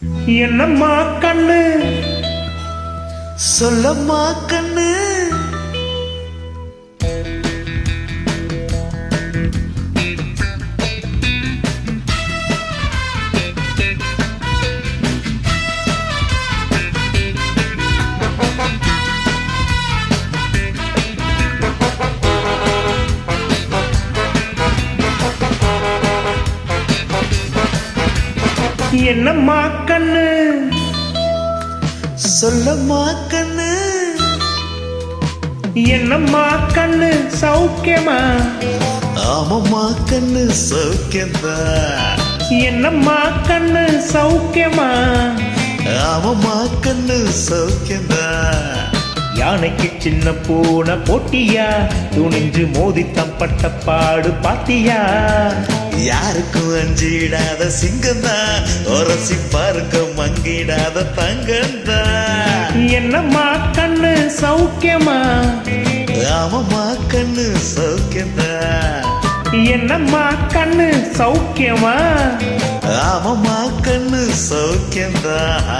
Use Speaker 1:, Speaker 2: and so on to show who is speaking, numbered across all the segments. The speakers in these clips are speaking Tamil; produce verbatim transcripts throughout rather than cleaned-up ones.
Speaker 1: என்னம்மா கண்ணு
Speaker 2: சொல்லம்மா கண்ணு
Speaker 1: என்னம்மா கண்ணு
Speaker 2: சொல்லம்மா கண்ணு
Speaker 1: என்னம்மா கண்ணு சௌக்கியமா
Speaker 2: ஆமம்மா கண்ணு சௌக்கியந்தா
Speaker 1: என்னம்மா கண்ணு சௌக்கியமா
Speaker 2: ஆமம்மா கண்ணு சௌக்கியந்தா
Speaker 1: யானைக்கு சின்ன பூனை போட்டியா துணிஞ்சு மோதி தம்பட்ட பாடு பாத்தியா
Speaker 2: யாருக்கும் அஞ்சிடாத சிங்கந்தா ஒரசி பார்க்க மங்கிடாத தங்கந்தா
Speaker 1: என்னம்மா கண்ணு சௌக்கியமா
Speaker 2: ஆமம்மா கண்ணு சௌக்கியந்தா
Speaker 1: என்னம்மா கண்ணு சௌக்கியமா
Speaker 2: ஆமம்மா கண்ணு சௌக்கியந்தா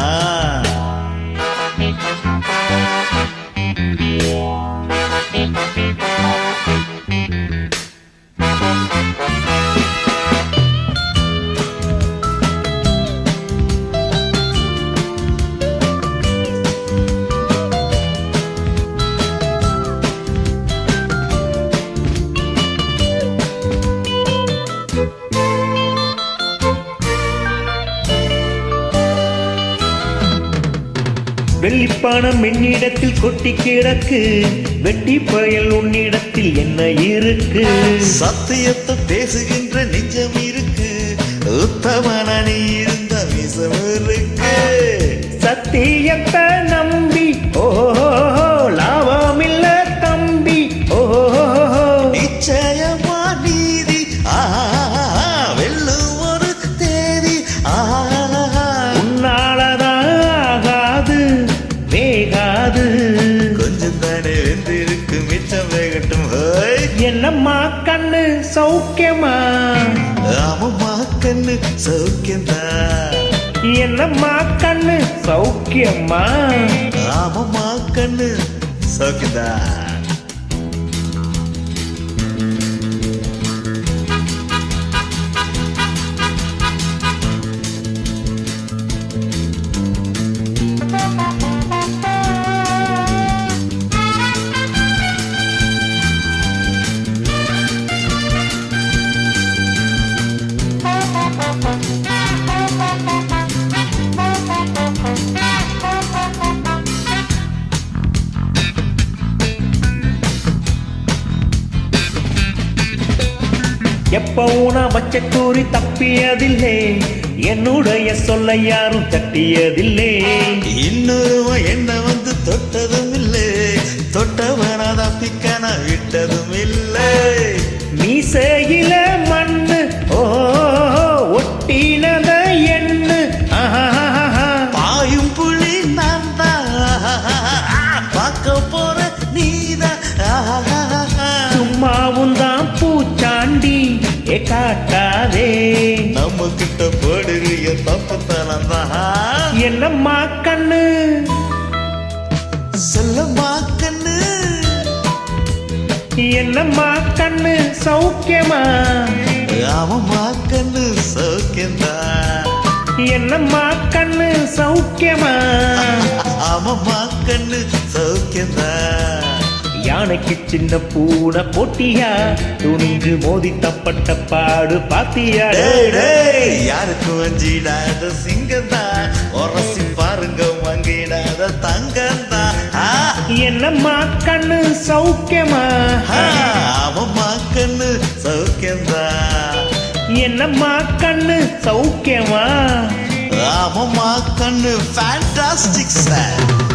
Speaker 1: வெள்ளிப்பானம் என்னிடத்தில் கொட்டி கிடக்கு வெட்டி பயல் உன்னிடத்தில் என்ன இருக்கு
Speaker 2: சத்தியத்தை பேசுகின்ற நெஞ்சம் இருக்கு உத்தமன நீ இருந்த மிசம் இருக்கு
Speaker 1: சத்தியத்தை நம்பி ஓ லாபம் இல்ல தம்பி ஓ
Speaker 2: நிச்சயமா நீதி வெல்லும் ஒரு தேதி
Speaker 1: உன்னாலதான் ஆகாது வேகாது
Speaker 2: கொஞ்சம் தானே வெந்திருக்கு மிச்சம் வேகட்டும்
Speaker 1: என்னம்மா கண்ணு சௌக்கியமா
Speaker 2: ஆமம்மா கண்ணு சௌக்கியந்தா
Speaker 1: என்னம்மா கண்ணு சௌக்கியமா
Speaker 2: ஆமம்மா கண்ணு சௌக்கியந்தா
Speaker 1: எப்பவும் நான் வச்ச கூறி தப்பியதில்லை என்னுடைய சொல்ல யாரும் தட்டியதில்லை
Speaker 2: இன்னொருவன் என்ன வந்து தொட்டதும் இல்லை தொட்டவன தப்பிக்க நான் விட்டதும் இல்லை
Speaker 1: மீசையில மண்ணு ஓ ஒட்டினத எண்ணு
Speaker 2: பாயும் புலி நான் தான் பார்க்க போற நீதான்
Speaker 1: சும்மாவும் தான் பூச்சாண்டி ஏ காட்டாதே
Speaker 2: நம்ம கிட்ட போடுறிய தப்பத்தனம் தான்
Speaker 1: என்னம்மா கண்ணு
Speaker 2: சொல்லம்மா கண்ணு
Speaker 1: என்னம்மா கண்ணு சௌக்கியமா
Speaker 2: ஆமம்மா கண்ணு சௌக்கியந்தா
Speaker 1: என்னம்மா கண்ணு சௌக்கியமா
Speaker 2: ஆமம்மா கண்ணு சௌக்கியந்தா
Speaker 1: யானைக்கு சின்ன பூனை போட்டியா துணிஞ்சு மோதி தப்பட்ட பாடு பாத்தியா
Speaker 2: யாருக்கும் அஞ்சிடாத சிங்கந்தா உரசி பாருங்க மங்கிடாத தங்கந்தா
Speaker 1: என்னம்மா கண்ணு சௌக்கியமா
Speaker 2: ஆமம்மா கண்ணு சௌக்கியந்தா
Speaker 1: என்னம்மா கண்ணு சௌக்கியமா
Speaker 2: ஆமம்மா கண்ணு ஃபேண்டாஸ்டிக் சார்